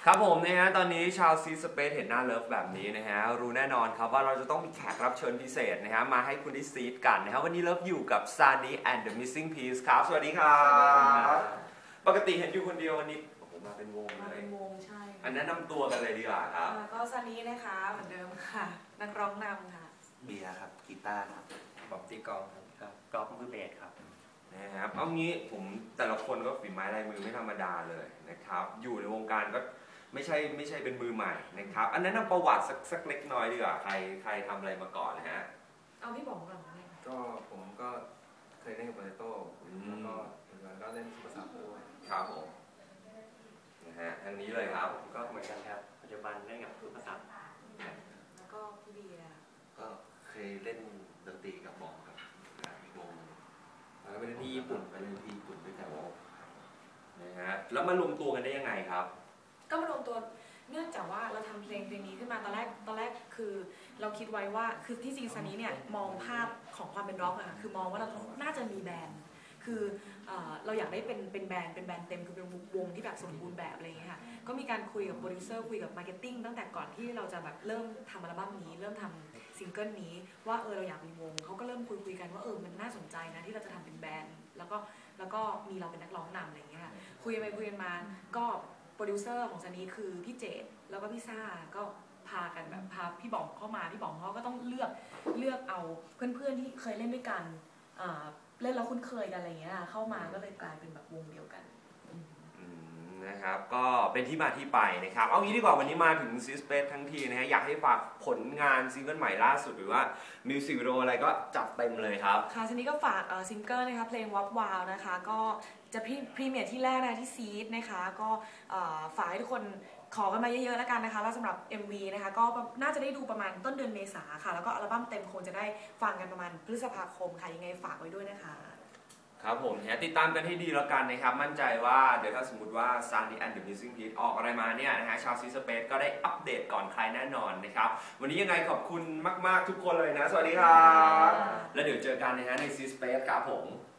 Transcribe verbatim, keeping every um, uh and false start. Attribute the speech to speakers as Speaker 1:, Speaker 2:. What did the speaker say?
Speaker 1: ครับผมนะฮะตอนนี้ชาวซีสเปซเห็นหน้าเลิฟแบบนี้นะฮะรู้แน่นอนครับว่าเราจะต้องมีแขกรับเชิญพิเศษนะฮะมาให้คุณได้ซีดกันนะฮะวันนี้เลิฟอยู่กับ Sunny and the Missing Piece ครับสวัสดีครับปกติเห็นอยู่คนเดียววันนี้โอ้โหมาเป็นวงเล
Speaker 2: มาย เป็นวงใช่
Speaker 1: อันนั้นนำตัวกันเลยดีกว่าครับ
Speaker 2: ก็ซันนี่นะคะเหมือนเดิมค่ะนักร้องนำค่ะ
Speaker 3: เบียร์ครับกีตาร์ครับบอมตีกองครับกอล์ฟมือเบสครับ
Speaker 1: นะครับเอางี้ผมแต่ละคนก็ฝีไม้ลายมือไม่ธรรมดาเลยนะครับอยู่ในวงการก็ไม่ใช่ไม่ใช่เป็นมือใหม่นะครับอันนั้นนำประวัติสักสักเล็กน้อยดีกว่าใครใครทำอะไรมาก่อนนะฮะ
Speaker 2: เอาพี่บอกก่อนเลย
Speaker 4: ก็ผมก็เคยเล่นกับโปเตโต้แล้วก็ปัจจุบันก็เล่นภาษาด้วย
Speaker 1: ครับผมนะฮะทางนี้เลยครับ
Speaker 3: ก็เหมือนกันครับปัจจุบันเล่นกับภาษา
Speaker 2: แล้วก็พี่เบียร์
Speaker 3: ก็เคยเล่นดนตรีกับบอมครับวงแล้วไปเล่นที่ญี่ปุ่นไปเล่นที่ญี่ปุ่นด้วยกัน
Speaker 1: นะฮะแล้วมารวมตัวกันได้ยังไงครับ
Speaker 2: ก็มารวมตัวเนื่องจากว่าเราทำเพลงเพลงนี้ขึ้นมาตอนแรกตอนแรกคือเราคิดไว้ว่าคือที่จริงซันนี้เนี่ยมองภาพของความเป็นร็อกอะคือมองว่าเราน่าจะมีแบรนด์คือเราอยากได้เป็นเป็นแบรนด์เป็นแบรนด์เต็มคือเป็นวงที่แบบสมบูรณ์แบบอะไรอย่างเงี้ยค่ะก็มีการคุยกับโปรดิวเซอร์คุยกับมาร์เก็ตติ้งตั้งแต่ก่อนที่เราจะแบบเริ่มทำอัลบั้มนี้เริ่มทำซิงเกิลนี้ว่าเออเราอยากมีวงเขาก็เริ่มคุยคุยกันว่าเออมันน่าสนใจนะที่เราจะทำเป็นแบรนด์แล้วก็แล้วก็มีเราเป็นนักร้องนำอะไรอย่างเงี้ยค่ะคุยไปคุยกันมาก็โปรดิวเซอร์ของซันนี่คือพี่เจดแล้วก็พี่ซ่าก็พากันแบบพาพี่บ๋องเข้ามาพี่บ๋องเขาก็ต้องเลือกเลือกเอาเพื่อนๆที่เคยเล่นด้วยกันเล่นแล้วคุ้นเคยกันอะไรเงี้ยเข้ามาก็เลยกลายเป็นแบบวงเดียวกัน
Speaker 1: นะครับก็เป็นที่มาที่ไปนะครับเอางี้ดีกว่าวันนี้มาถึงซีสเปซทั้งทีนะฮะอยากให้ฝากผลงานซิงเกิลใหม่ล่าสุดหรือว่ามิวสิกวิดีโออะไรก็จัดเต็มเลยครับ
Speaker 2: ค่ะทีนี้ก็ฝากซิงเกิลนะคะเพลงวับวาวนะคะก็จะพรีเมียร์ที่แรกนะที่ซีดนะคะก็ฝากให้ทุกคนขอกันมาเยอะๆแล้วกันนะคะแล้วสำหรับ เอ็ม วี นะคะก็น่าจะได้ดูประมาณต้นเดือนเมษาค่ะแล้วก็อัลบั้มเต็มคงจะได้ฟังกันประมาณพฤษภาคมค่ะยังไงฝากไว้ด้วยนะคะ
Speaker 1: ครับผมเนี่ยติดตามกันให้ดีแล้วกันนะครับมั่นใจว่าเดี๋ยวถ้าสมมติว่า Sunny and the Missing Piece ออกอะไรมาเนี่ยนะฮะชาวซีสเปซก็ได้อัปเดตก่อนใครแน่นอนนะครับวันนี้ยังไงขอบคุณมากๆทุกคนเลยนะสวัสดีครับแล้วเดี๋ยวเจอกันนะฮะในซีสเปซครับผม